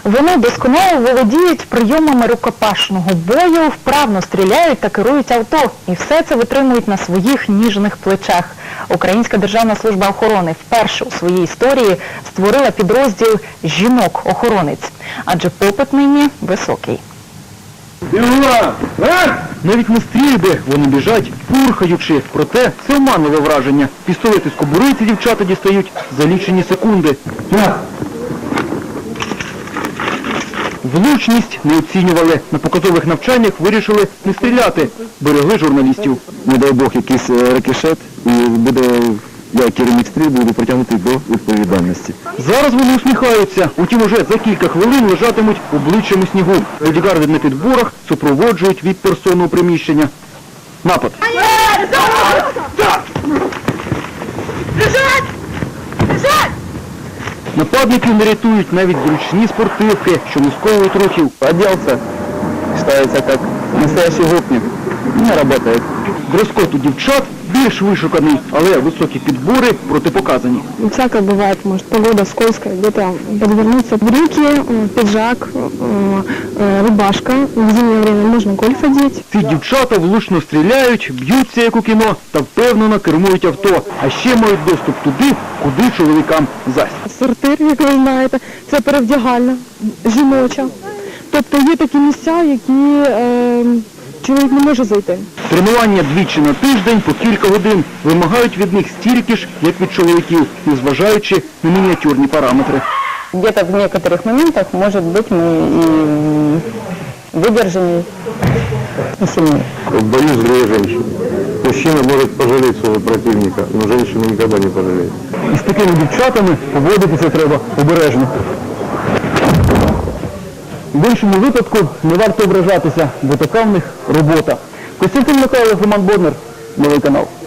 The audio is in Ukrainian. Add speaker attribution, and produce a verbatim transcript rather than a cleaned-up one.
Speaker 1: Вони досконало володіють прийомами рукопашного бою, вправно стріляють та керують авто. І все це витримують на своїх ніжних плечах. Українська державна служба охорони вперше у своїй історії створила підрозділ «Жінок-охоронець». Адже попит нині високий.
Speaker 2: Навіть на стрільби вони біжать, пурхаючи. Проте це оманливе враження. Пістолети з кобури ці дівчата дістають за лічені секунди. Влучність не оцінювали. На показових навчаннях вирішили не стріляти. Берегли журналістів.
Speaker 3: Не дай Бог якийсь рикошет, і буде, я керівник стрільби, буду притягнутий до відповідальності.
Speaker 2: Зараз вони усміхаються. Утім, уже за кілька хвилин лежатимуть обличчям у снігу. Бодігарди на підборах супроводжують від персонного приміщення. Напад. Нападників не рятують навіть зручні спортивки, що не сковують рухів.
Speaker 3: Оделся, считается как настоящий гопник. Не работает.
Speaker 2: Дрес-код у дівчат більш вишуканий, але високі підбори протипоказані.
Speaker 4: Всякое бывает, может, погода скользкая, где-то подвернуться брюки, пиджак, рубашка. В зимнее время можно гольф одеть.
Speaker 2: Ці дівчата влучно стріляють, б'ються, як у кіно, та впевнено кермують авто. А ще мають доступ туди, куди чоловікам зась.
Speaker 4: Сортир, як ви знаєте, це перевдягальна, жіноча. Тобто є такі місця, які е, чоловік не може зайти.
Speaker 2: Тренування двічі на тиждень по кілька годин вимагають від них стільки ж, як від чоловіків, незважаючи на мініатюрні параметри.
Speaker 5: Где-то в некоторых моментах, может быть, мы и выдержаннее, и сильнее.
Speaker 3: В бою злые женщины. Мужчина может пожалеть своего противника, но женщина никогда не пожалеет.
Speaker 2: І з такими дівчатами поводитися треба обережно. В іншому випадку не варто ображатися, бо така в них робота. Костянтин Михайлов, Роман Боднар, Новий канал.